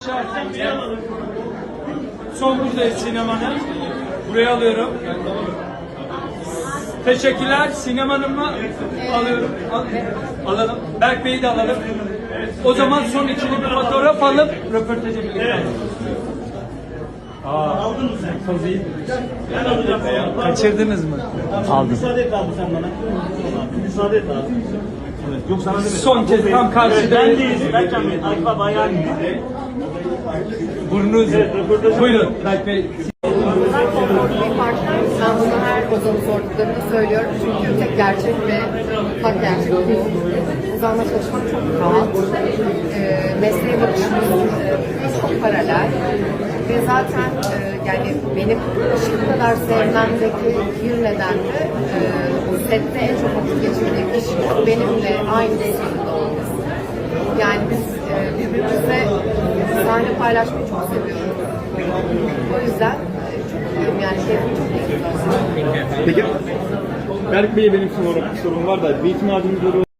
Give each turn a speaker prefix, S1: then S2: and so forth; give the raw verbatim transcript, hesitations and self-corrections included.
S1: Son buradayız sinemanın. Buraya alıyorum. Teşekkürler. Sinemanın mı? Alıyorum. Al, alalım. Berk Bey'i de alalım. O zaman son ikili bir fotoğraf alıp röportajı birlikte alalım. Aa, aldın mı sen? Çok iyi. Ben alacağım. Kaçırdınız mı?
S2: Aldım. Müsaade et abi sen bana. Müsaade et abi. Evet. Yok sana demedim.
S1: Son kez tam karşıda.
S2: Ben değilim. Ben kendim. Akif abi ayağım.
S1: Burnunuz.
S2: Evet, röportajı-
S1: Buyurun Berk Bey.
S3: Bunlar konforlu bir partner. Ben bunu her ozanı sorduklarında söylüyorum. Çünkü tek gerçek ve hak gerçek bu. Ozanla çalışmak çok rahat. E, mesleğe bakışımız çok paralel. Ve zaten e, yani benim şu kadar sevmemdeki bir neden de e, o sette en çok vakit geçirdiğim kişi benimle aynı sınıfta olması. Yani biz e, birbirimizle sahne paylaşmayı çok seviyoruz. O yüzden e, çok mutluyum yani keyfim çok iyi.
S4: Peki Berk Bey'e benim sorum, sorum var da bir ihtimaliniz